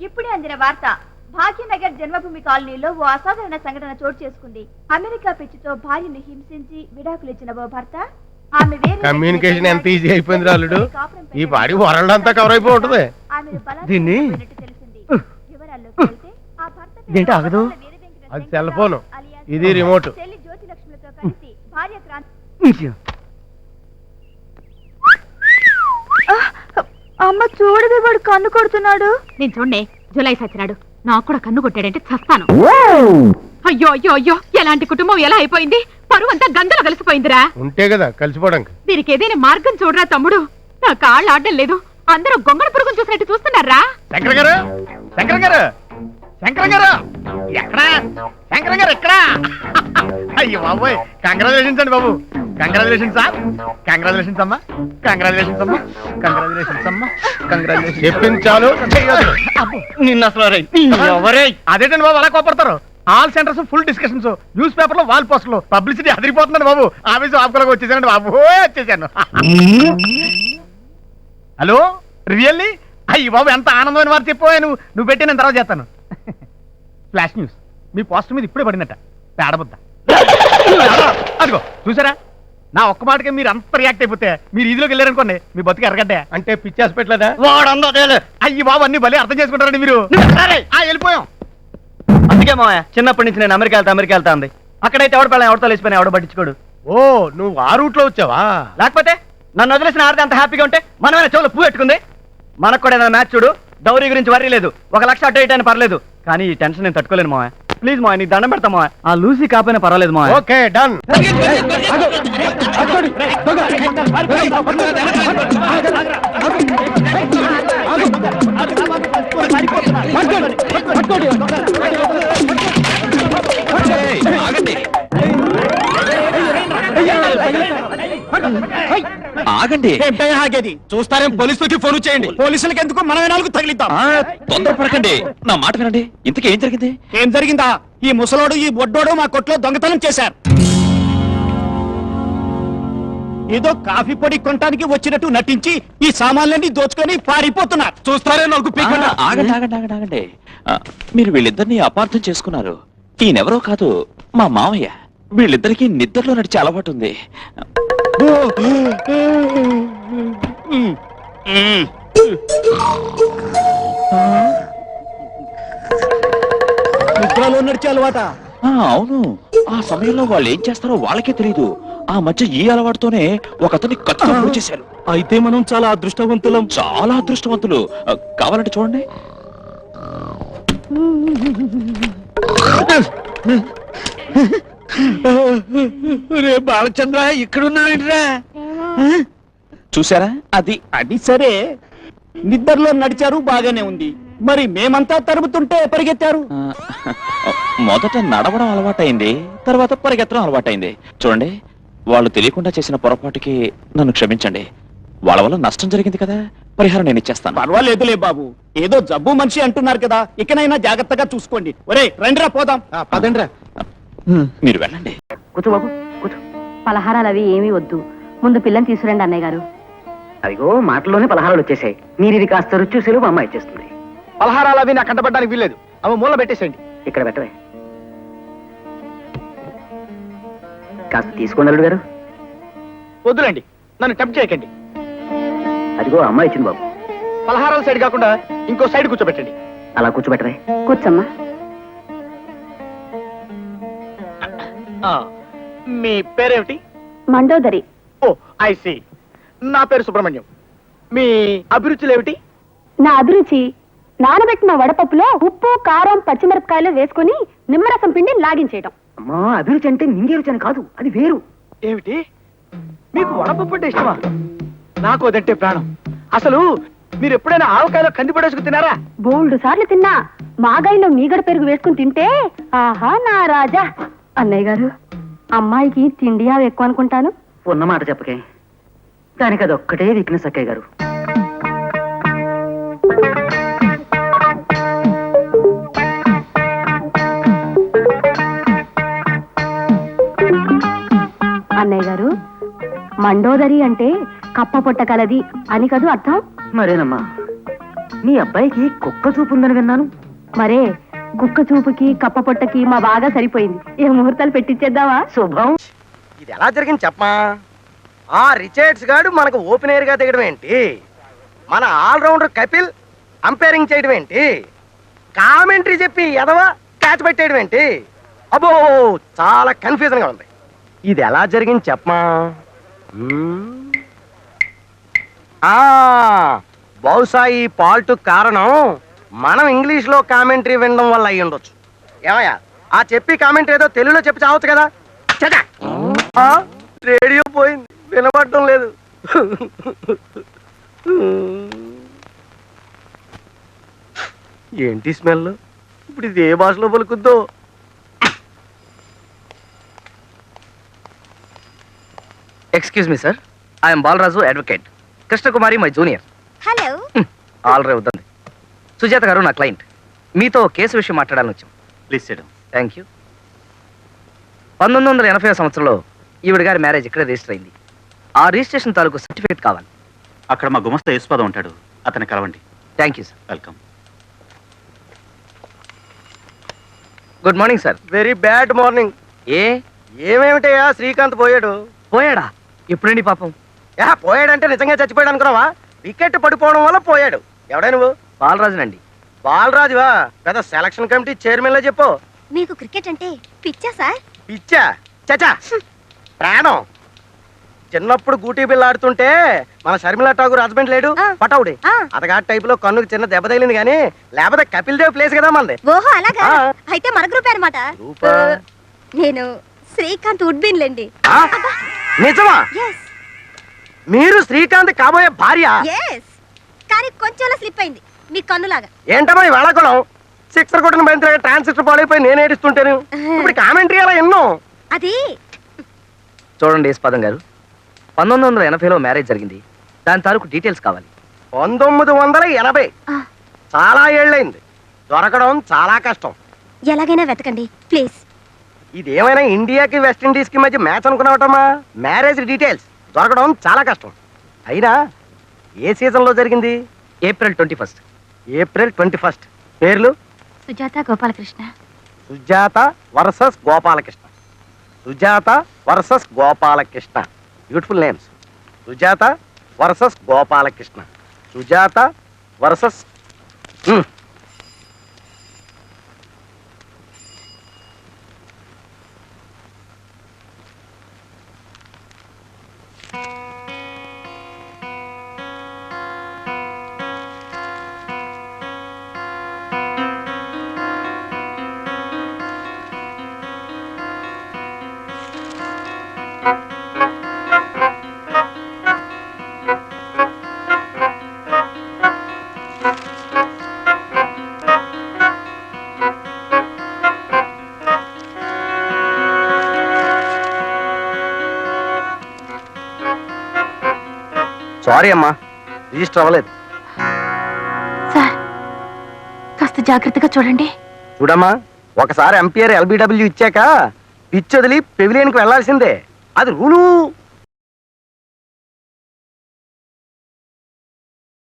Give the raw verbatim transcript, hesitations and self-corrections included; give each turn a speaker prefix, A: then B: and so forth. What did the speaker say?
A: ఇప్పుడే అందిన వార్త. భాగ్యనగర్ జన్మభూమి కాలనీలో ఓ అసాధారణ సంఘటన చోటు చేసుకుంది. అమెరికా పిచ్చితో భార్యను హింసించి విడాకులు ఇచ్చిన ఓ భర్త ఆమె
B: కమ్యూనికేషన్ ఎంత ఈజీ అయిపోయింది రాలుడు. ఈ పాడి వరల్డ్ అంతా కవర్ అయిపోయి ఉంటుంది.
A: దీన్ని
C: ఇదేంటి ఆగదు?
B: అది సెల్ ఫోన్, ఇది రిమోట్.
A: జ్యోతి లక్ష్మితో కలిసి భార్య క్రాంతి. అమ్మ చూడవే, వాడు కన్ను కొడుతున్నాడు.
D: నేను చూడండి, జులై సచ్చినాడు. నాకు కూడా కన్ను కొట్టాడంటే చస్తాను. అయ్యో అయ్యో అయ్యో, ఎలాంటి కుటుంబం ఎలా అయిపోయింది? పరువు అంతా గంగలో కలిసిపోయిందిరా.
B: ఉంటే కదా కలిసిపోవడానికి.
D: దీనికి ఏదైనా మార్గం చూడరా తమ్ముడు. నా కాళ్ళు ఆడడం లేదు. అందరూ గొంగళ పురుగును చూసినట్టు చూస్తున్నారా?
C: శంకర్ గారు, శంకర్ గారు, శంకర్ గారు ఎక్కడా? శంకర్ గారు ఎక్కడా? అయ్యో బాబోయ్, కంగ్రాచులేషన్స్ అండి బాబు. Congratulations sir. కంగ్రాచులేషన్స్ అమ్మా. కంగ్రాచులేషన్స్ అమ్మా. కంగ్రాచులేషన్స్ అమ్మా. కంగ్రాచులేషన్స్.
B: చెప్పించాలు
C: నిన్న అసలు ఎవరే అదేంటండి బాబు అలా కోపడతారు? All centres full discussions, news paper లో వాల్ పోస్టర్లు, పబ్లిసిటీ అదిరిపోతుందండి బాబు. ఆఫీసు ఆపుకోలేక వచ్చేసానండి బాబు, వచ్చేసాను. Hello, really? అయ్యి బాబు, ఎంత ఆనందమైన వారు చెప్పావు. నువ్వు నువ్వు పెట్టి నేను తర్వాత చేస్తాను. ఫ్లాష్ న్యూస్, మీ పోస్టర్ మీద ఇప్పుడే పడినట్ట పేడబుద్ద. అదిగో చూసారా, నా ఒక్క మాటకే మీరు అంత రియాక్ట్ అయిపోతే మీరు ఈదిలోకి వెళ్ళారనుకోండి, మీ బతుకు ఎరగడ్డే.
B: అంటే పిచ్చాసి పెట్టలేదా?
C: అయ్యి బాబు, అన్ని భలే అర్థం చేసుకుంటారండి మీరు. వెళ్ళిపోయాం. అందుకే మా చిన్నప్పటి నుంచి నేను అమెరికా వెళ్తా అమెరికా వెళ్తా ఉంది. అక్కడైతే ఎవడ పిల్లలు ఎవరితో లేచిపోయినా ఎవడ పట్టించుకోడు.
B: ఓ, నువ్వు ఆ రూట్ లో వచ్చావా?
C: లేకపోతే నన్ను వదిలేసిన ఆడితే అంత హ్యాపీగా ఉంటే మనమైనా చెవులు పువ్వు పెట్టుకుంది. మనకు కూడా ఏదైనా మ్యాచ్ చూడు, డౌరీ గురించి వర్రీ లేదు. ఒక లక్ష అటు ఇటు అయినా పర్లేదు, కానీ ఈ టెన్షన్ నేను తట్టుకోలేను మావా. ప్లీజ్ మా, నీకు దండం పెడతా మావా. ఆ లూసీ కాపోయినా పర్వాలేదు మా.
B: Okay, done.
E: ఆగండి.
C: ఆగేది చూస్తారేం? పోలీసులకి ఫోన్ చేయండి. పోలీసులకి ఎందుకు, మనమే నాలుగు తగిలిద్దాం.
E: తొందరపడకండి, నా మాట వినండి. ఇంతకీ ఏం జరిగింది?
C: ఏం జరిగిందా? ఈ ముసలోడు ఈ బొడ్డోడు మా కొట్లో దొంగతనం చేశారు. ఏదో కాఫీ పొడి కొనడానికి వచ్చినట్టు నటించి ఈ సామాన్లన్నీ దోచుకొని పారిపోతున్నారు. చూస్తారే నాకు.
E: ఆగండి ఆగండి ఆగండి ఆగండి మీరు వీళ్ళిద్దరిని అపార్థం చేసుకున్నారు. ఈయనెవరో కాదు, మా మామయ్య. వీళ్ళిద్దరికి నిద్రలో నడిచే అలవాటు ఉంది.
C: నిద్రలో నడిచే అలవాట?
E: అవును. ఆ సమయంలో వాళ్ళు ఏం చేస్తారో వాళ్ళకే తెలియదు. ఆ మధ్య ఈ అలవాటుతోనే ఒక అతన్ని కత్తితో చేశారు.
C: అయితే మనం చాలా అదృష్టవంతులం.
E: చాలా అదృష్టవంతులు. కావాలంటే చూడండి.
C: రే బాలచంద్ర, ఇక్కడున్నావిడ్రా?
E: చూసారా? అది
C: అది సరే, నిద్రలో నడిచారు, బాగానే ఉంది. మరి మేమంతా తరుముతుంటే పరిగెత్తారు.
E: మొదట నడవడం అలవాటైంది, తర్వాత పరిగెత్తడం అలవాటైంది. చూడండి, వాళ్ళు తెలియకుండా చేసిన పొరపాటుకి నన్ను క్షమించండి. వాళ్ళ వల్ల నష్టం జరిగింది కదా, పరిహారం నేను ఇచ్చేస్తాను.
C: పర్వాలేదులే బాబు, ఏదో జబ్బు మనిషి అంటున్నారు కదా, ఇకనైనా జాగ్రత్తగా చూసుకోండి. ఒరే రండిరా, పోదాం.
B: పదండ్రా.
E: మీరు వెళ్ళండి.
D: కూర్చో బాబు, కూర్చో. పలహారాలు అవి ఏమీ వద్దు, ముందు పిల్లని తీసుకురండి అన్నయ్య గారు.
F: అదిగో మాటల్లోనే పలహారాలు వచ్చేసాయి. మీరు ఇది కాస్త రుచి చూసేలు మా అమ్మ ఇచ్చేస్తుంది.
C: పలహారాలు అవి నాకు కంటపడడానికి వీల్లేదు. అవి మూల పెట్టేసేయండి.
F: ఇక్కడ పెట్టవే. కాస్త తీసుకోండి అల్లుడు గారు.
C: వద్దులండి, నన్ను టెంప్ట్ చేయకండి.
F: అదిగో అమ్మ ఇచ్చింది బాబు.
C: పలహారాల సైడ్ కాకుండా ఇంకో సైడ్ కూర్చోబెట్టండి.
F: అలా కూర్చోబెట్టవే.
D: కూర్చోమ్మా.
C: మీ పేరేమిటి?
D: మండోదరి.
C: Oh I see. నా పేరు సుబ్రహ్మణ్యం. మీ అభిరుచులు ఏమిటి?
D: నా అభిరుచి నానబెట్టిన వడపప్పులో ఉప్పు, కారం, పచ్చిమిరపకాయలు వేసుకుని నిమ్మరసం పిండి లాగించేయడం.
F: అమ్మా, అభిరుచి అంటే నింగే రుచి అని కాదు, అది వేరు.
C: ఏమిటి? మీకు వడపప్పు అంటే ఇష్టమా? నాకు అదంటే ప్రాణం. అసలు మీరు ఎప్పుడైనా ఆవకాయలో కంది పడేసుకు తినారా?
D: బోల్డు సార్లు తిన్నా. మాగాయిలో మీగడ పెరుగు వేసుకుని తింటే ఆహా నా రాజా. అన్నయ్య గారు, అమ్మాయికి తిండి అవి ఎక్కువ అనుకుంటాను.
F: ఉన్నమాట చెప్పకే, దానికి అది ఒక్కటే వీక్నెస్ అక్కయ్య గారు.
D: అన్నయ్య గారు, మండోదరి అంటే కప్ప పొట్ట కలది అని కదూ అర్థం?
F: మరేనమ్మా, మీ అబ్బాయికి కుక్క చూపు ఉందని విన్నాను.
D: మరే కుక్క చూపుకి కప్ప పొట్టకి మా బాగా సరిపోయింది. ఏ ముహూర్తాలు పెట్టించేద్దావా?
F: శుభం.
B: ఇది ఎలా జరిగింది చెప్పమా? ఆ రిచర్డ్స్ గాడు మనకు ఓపెనర్ గా దిగడం ఏంటి, మన ఆల్రౌండర్ కపిల్ అంపైరింగ్ చేయడం ఏంటి, కామెంటరీ చెప్పి ఎదవ క్యాచ్ పెట్టేయడం ఏంటి? అబ్బో చాలా కన్ఫ్యూజన్ గా ఉంది. ఇది ఎలా జరిగింది చెప్పమా? మ్మ్. ఆ బహుశా ఈ పాల్ట్ కారణం మనం ఇంగ్లీష్ లో కామెంటరీ వినడం వల్ల అయ్యి ఉండొచ్చు. ఏమయ్యా ఆ చెప్పి కామెంటరీ ఏదో తెలుగులో చెప్పి చావచ్చు కదా. చచ్చా! ఆ, రేడియో పోయింది, వినపడటం లేదు. ఏంటి స్మెల్? ఇప్పుడు ఇది ఏ భాషలో పలుకుద్దో?
F: Excuse me sir, I'm Balaraju advocate. Krishnakumari my junior.
A: Hello.
F: Already వద్దండి. సుజాత గారు నా క్లయింట్. మీతో కేసు విషయం మాట్లాడాలని వచ్చాం.
C: Please sit.
F: Thank you. పంతొమ్మిది వందల ఎనభై సంవత్సరంలో ఈవిడ గారి మ్యారేజ్ ఇక్కడ రిజిస్టర్ అయింది. ఆ రిజిస్ట్రేషన్ తాలూకు సర్టిఫికేట్ కావాలి.
G: అక్కడ మా గుమస్తా యేసుపాదం ఉంటాడు, అతన్ని కలవండి.
F: Thank you sir.
G: Welcome.
F: Good morning sir.
B: Very bad morning.
F: ఏ
B: ఏమేమిటయ్యా శ్రీకాంత్ పోయాడు?
F: పోయాడా? ఎప్పుడండి పాపం?
B: యా పోయాడంటే నిజంగా చచ్చిపోయాడు అనుకున్నావా? వికెట్ పడిపోవడం వల్ల పోయాడు. ఎవడా నువ్వు?
F: బాలరాజునండి.
B: బాలరాజువా? పెద్ద సెలక్షన్ కమిటీ చైర్మన్ లో చెప్పు.
A: మీకు క్రికెట్ అంటే పిచ్చా సార్?
B: పిచ్చా? చచా ప్రాణం. చిన్నప్పుడు గూటీ బిల్ల ఆడుతుంటే మన షర్మిలా ఠాగూర్ హస్బెండ్ లేడు
A: ఆ.
B: పటౌడి,
A: ఆ.
B: అతగాడి టైప్ లో కన్నుకు చిన్న దెబ్బ తగిలింది కానీ లేకపోతే కపిల్ దేవ్ ప్లేస్ కదా మనది.
A: ఓహో అలాగా?
B: ఆ.
A: అయితే మన గ్రూప్ అనమాట.
B: గ్రూపా?
A: నేను శ్రీకాంత్ ఉడ్బిన్ లేండి.
B: ఆ? నిజమా?
A: ఎస్
B: మీరు శ్రీకాంత్ కాబోయే భార్య?
A: ఎస్ కానీ కొంచెంలా స్లిప్ అయింది మీ కన్నులాగా.
B: ఏంటమ్మా ఈ వేళాకుళం? సిక్సర్ కొట్టిన బంతి ట్రాన్సిస్టర్ పాడైపోయి నేను ఏడుస్తుంటాను. ఇప్పుడు కామెంటరీ అలా ఎన్నో.
A: అది
F: చూడండి యేసుపాదం గారు, పంతొమ్మిది వందల ఎనభైలో మ్యారేజ్ జరిగింది. దాని తాలూకు డీటెయిల్స్ కావాలి.
B: పంతొమ్మిది వందల ఎనభై
A: ఆ,
B: చాలా ఏళ్ళైంది. దొరకడం చాలా కష్టం.
A: ఎలాగైనా వెతకండి ప్లీజ్.
B: ఇదేమైనా ఇండియాకి వెస్టిండీస్ కి మధ్య మ్యాచ్ అనుకున్నావటమ్మా? మ్యారేజ్ డీటెయిల్స్ దొరకడం చాలా కష్టం. అయినా ఏ సీజన్ లో జరిగింది?
F: April twenty first.
B: April twenty first. పేర్లు?
D: Sujatha Gopalakrishna.
B: Sujatha versus Gopalakrishna. Sujatha versus Gopalakrishna. Beautiful names. Sujatha versus Gopalakrishna. Sujatha versus sorry అమ్మా, రిజిస్టర్ అవ్వలేదు.
D: సార్ కాస్త జాగ్రత్తగా చూడండి.
B: చూడమ్మా, ఒకసారి ఎంపీఆర్ ఎల్బిడబ్ల్యూ ఇచ్చాక పిచ్ వదిలి పెవిలియన్కి వెళ్లాల్సిందే. అది రూలు.